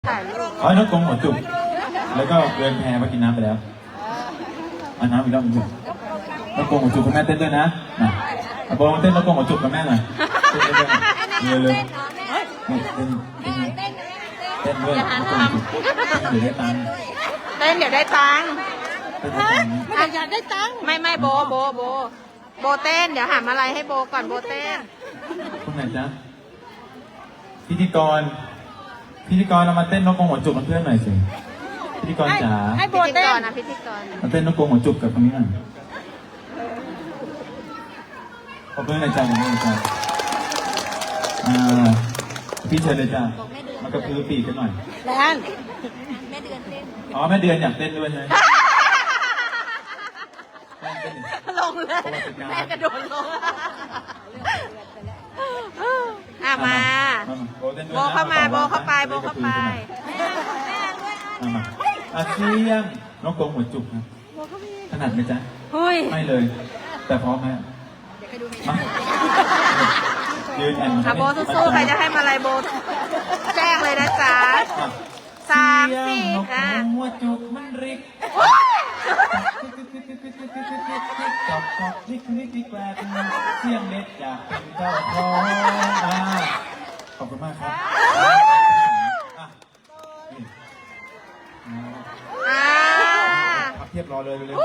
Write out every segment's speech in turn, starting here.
อ๋อนกกรงหัวจุกแล้วก็เดินแพมากินน้ำไปแล้วเอาน้ำอีกรอบนึงนกกรงหัวจุกคุณแม่เต้นด้วยนะมาโบเต้นนกกรงหัวจุกกับแม่หน่อยเต้นด้วยเร็วเต้นด้วยนกกรงหัวจุกเดี๋ยวได้ตังค์เต้นเดี๋ยวได้ตังค์ไม่อยากได้ตังค์ไม่โบเต้นเดี๋ยวหาอะไรให้โบก่อนโบเต้นคุณไหนจ๊ะพิธีกรเรามาเต้นนกกรงหัวจุกกับเพื่อนหน่อยสิพิธีกรจ๋าให้โบเต้นนะพิธีกรมาเต้นนกกรงหัวจุกกับคนนี้หน่อยขอเพื่อนหน่อยจ้าพี่เชิญเลยจ้ามากระพือปีกกันหน่อยแลนแม่เดือนเต้นอ๋อแม่เดือนอยากเต้นด้วยใช่ไหมลงเลยแม่กระโดดลงมาโบเข้าไปมาเชียงนกกรงหัวจุกนะถนัดไหมจ๊ะไม่เลยแต่พร้อมไหมมายืนแอนโบสู้ๆใครจะให้มาอะไรโบแจ้งเลยนะจ๊ะ3 4 หัวจุกมันริกจบลิกแกลบเสียงเล็ดอยากเป็นเจ้าของขอบคุณมากครับพับเทียบรอเลยเร็ว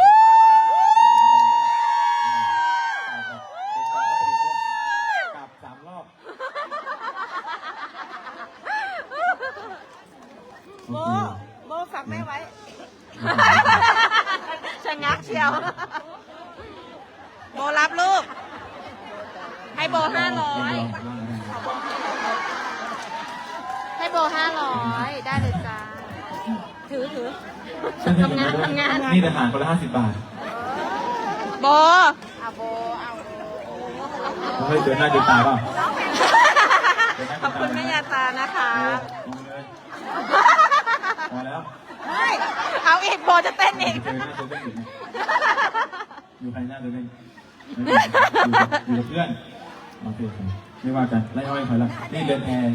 กลับ3 รอบโบฝากแม่ไว้ชะงักเชียวโบรับลูกให้โบ500ให้โบ500ได้เลยจ้าถือทำงานนี่ทหารคนละ50 บาทโบเฮ้ยเดินหน้าเดินตาเปล่าขอบคุณแม่ยาตานะคะพอแล้วเอาอีกโบจะเต้นอีกอยู่ใครหน้าเดินอยู่กับเพื่อนโอเคไม่ว่ากันไล่อ้อยใครละนี่เดินแพ